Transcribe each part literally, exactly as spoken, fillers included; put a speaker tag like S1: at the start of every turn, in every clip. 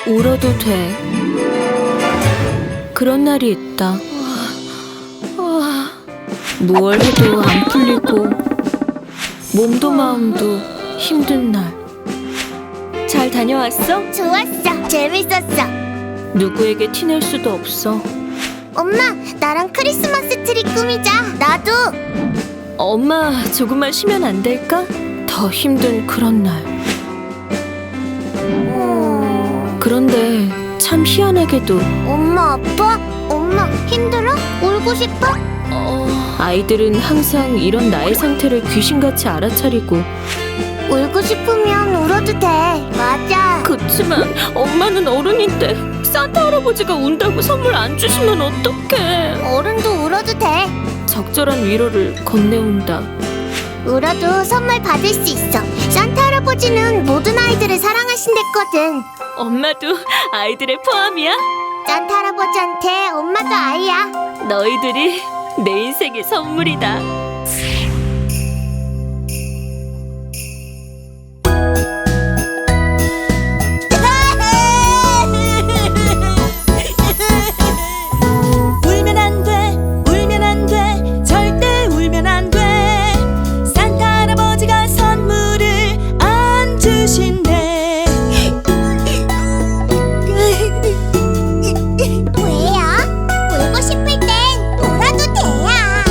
S1: 울어도 돼. 그런 날이 있다. 무얼 해도 안 풀리고 몸도 마음도 힘든 날. 잘 다녀왔어?
S2: 좋았어. 재밌었어.
S1: 누구에게 티낼 수도 없어.
S2: 엄마, 나랑 크리스마스 트리 꾸미자. 나도.
S1: 엄마, 조금만 쉬면 안 될까? 더 힘든 그런 날.
S2: 음...
S1: 그런데 참 희한하게도
S2: 엄마, 아빠? 엄마, 힘들어? 울고 싶어?
S1: 어... 아이들은 항상 이런 나의 상태를 귀신같이 알아차리고
S2: 울고 싶으면 울어도 돼. 맞아.
S1: 그치만 엄마는 어른인데 산타 할아버지가 운다고 선물 안 주시면 어떡해.
S2: 어른도 울어도 돼.
S1: 적절한 위로를 건네온다.
S2: 울어도 선물 받을 수 있어. 산타 할아버지는 모든 아이들을 사랑하신댔거든.
S1: 엄마도 아이들의 포함이야?
S2: 산타 할아버지한테 엄마도 아이야.
S1: 너희들이 내 인생의 선물이다.
S3: 울면 안 돼, 울면 안 돼, 절대 울면 안 돼. 산타 할아버지가 선물을 안 주신대.
S2: 왜요? 울고 싶을 땐 울어도 돼요.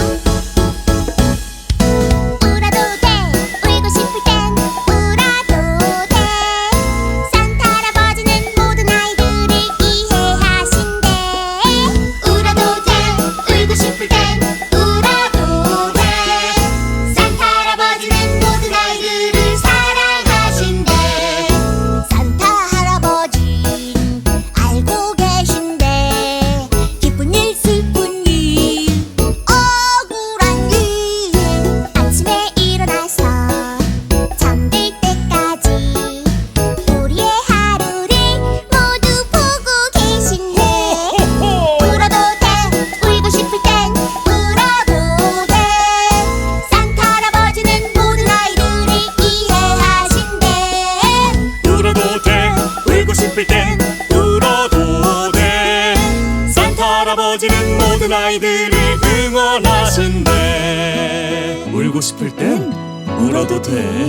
S2: 울어도 돼. 울고 싶을 땐 울어도 돼. 산타 할아버지는 모든 아이들을 이해하신대. 울어도 돼. 울고 싶을 땐 울어도 돼. 산타 할아버지는 모든 아이들을 사랑하신대. 산타 할아버진 알고 계신데 기쁜 일 슬픈 일 억울한 일 아침에 일어나서 잠들 때까지 우리의 하루를 모두 보고 계신데 울어도 돼. 울고 싶을 땐 울어도 돼. 산타 할아버지는 모든 아이들을 이해하신대.
S4: 울어도 돼. 울고 싶을 땐 울어도 돼. 산타 할아버지는 모든 아이들을 응원하신대. 울고 싶을 땐 울어도 돼.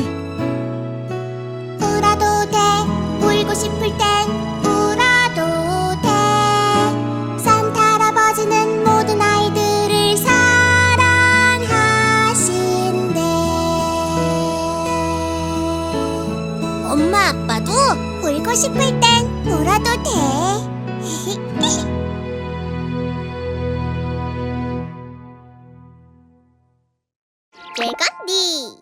S2: 울어도 돼. 울고 싶을 땐 울어도 돼. 산타 할아버지는 모든 아이들을 사랑하신대. 엄마, 아빠도 울고 싶을 땐 울어도 돼. 레건디